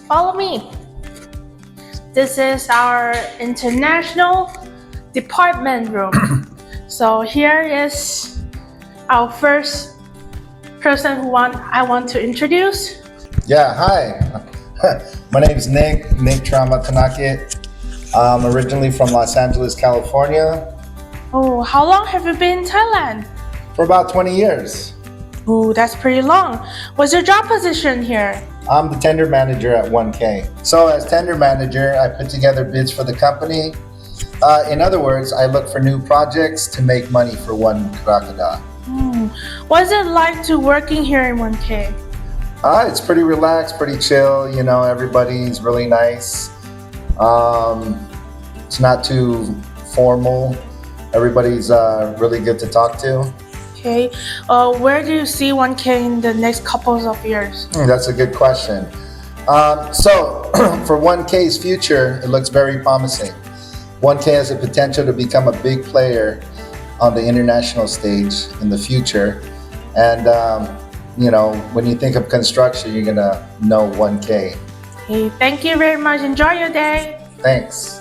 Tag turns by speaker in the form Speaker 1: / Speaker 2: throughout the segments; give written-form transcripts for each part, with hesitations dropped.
Speaker 1: follow me. This is our international department room. So here is our first person I want to introduce.
Speaker 2: Yeah, hi. My name is Nick Tramatanakit. I'm originally from Los Angeles, California.
Speaker 1: Oh, how long have you been in Thailand?
Speaker 2: For about 20 years.
Speaker 1: Oh, that's pretty long. What's your job position here?
Speaker 2: I'm the tender manager at 1K. So as tender manager, I put together bids for the company. In other words, I look for new projects to make money for One Crocodile.
Speaker 1: What's it like to working here in 1K?
Speaker 2: It's pretty relaxed, pretty chill. You know, everybody's really nice. It's not too formal. Everybody's really good to talk to.
Speaker 1: Okay. Where do you see 1K in the next couple of years?
Speaker 2: That's a good question. So for 1K's future, it looks very promising. 1K has the potential to become a big player on the international stage in the future. And, you know, when you think of construction, you're going to know 1K.
Speaker 1: Okay, thank you very much. Enjoy your day.
Speaker 2: Thanks.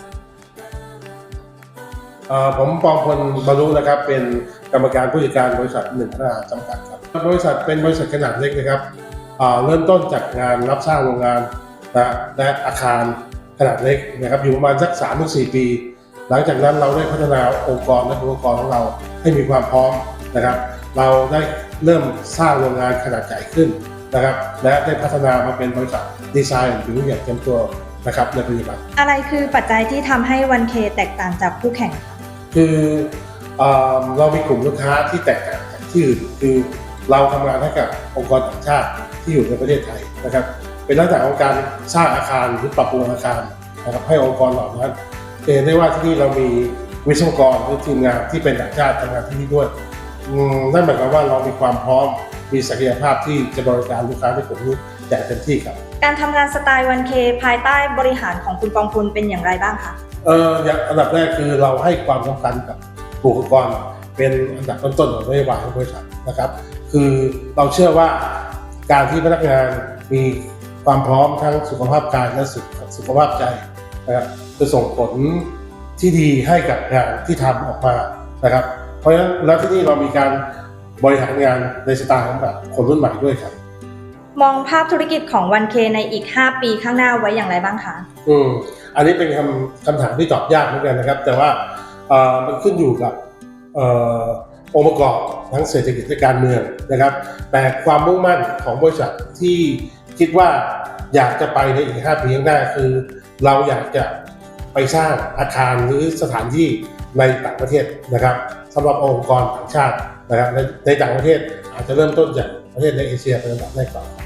Speaker 3: ผมปองพลบรรลุนะครับเป็นกรรมการผู้จัดการบริษัท1 พัฒนาจำกัดครับบริษัทเป็นบริษัทขนาดเล็กนะครับเริ่มต้นจากงานรับสร้างโรงงานและอาคารขนาดเล็กนะครับอยู่ประมาณสัก 3-4 ปี หลังจากนั้นเราได้พัฒนาองค์กรและองค์กรของเราให้มีความพร้อมนะครับเราได้เริ่มสร้างโรงงานขนาดใหญ่ขึ้นนะครับและได้พัฒนามาเป็นบริษัทดีไซน์ถึงอย่างเต็มตัวนะครับในปัจจุบัน
Speaker 4: อะไรคือปัจจัยที่ทำให้ 1K แตกต่างจากคู่แข่ง
Speaker 3: คือเรามีกลุ่มลูกค้าที่แตกต่างจากที่อื่นคือเราทำงานให้กับองค์กรต่างชาติที่อยู่ในประเทศไทยนะครับเป็นลักษณะของการสร้างอาคารหรือปรับปรุงอาคารนะครับให้องค์กรเหล่านั้นเห็นได้ว่าที่นี่เรามีวิศวกรหรือทีมงานที่เป็นต่างชาติทำงานที่นี่ด้วยนั่นหมายความว่าเรามีความพร้อมมีศักยภาพที่จะบริการลูกค้าในกลุ่มนี้อย่างเต็มที่ครับ
Speaker 4: การทำงานสไตล์ 1K ภายใต้บริหารของคุณปองพลเป็นอย่างไรบ้างคะ
Speaker 3: อย่างอันดับแรกคือเราให้ความสำคัญกับบุคลากรเป็นอันดับต้นๆของนโยบายของบริษัทนะครับคือเราเชื่อว่าการที่พนักงานมีความพร้อมทั้งสุขภาพกายและสุขภาพใจนะครับจะส่งผลที่ดีให้กับงานที่ทำออกมานะครับเพราะฉะนั้นแล้วที่นี่เรามีการบริหารงานในสไตล์ของแบบคนรุ่นใหม่ด้วยครับ
Speaker 4: มองภาพธุรกิจของ 1K ในอีก 5 ปีข้างหน้าไว้อย่างไรบ้างคะ
Speaker 3: อันนี้เป็นคำถามที่ตอบยากเหมือนกันนะครับแต่ว่ามันขึ้นอยู่กับองค์ประกอบทั้งเศรษฐกิจและการเมืองนะครับแต่ความมุ่งมั่นของบริษัทที่คิดว่าอยากจะไปในอีก 5 ปีข้างหน้าคือเราอยากจะไปสร้างอาคารหรือสถานที่ในต่างประเทศนะครับสำหรับองค์กรต่างชาตินะครับในต่างประเทศอาจจะเริ่มต้นจากประเทศในเอเชียเป็นอันดับแรกก่อน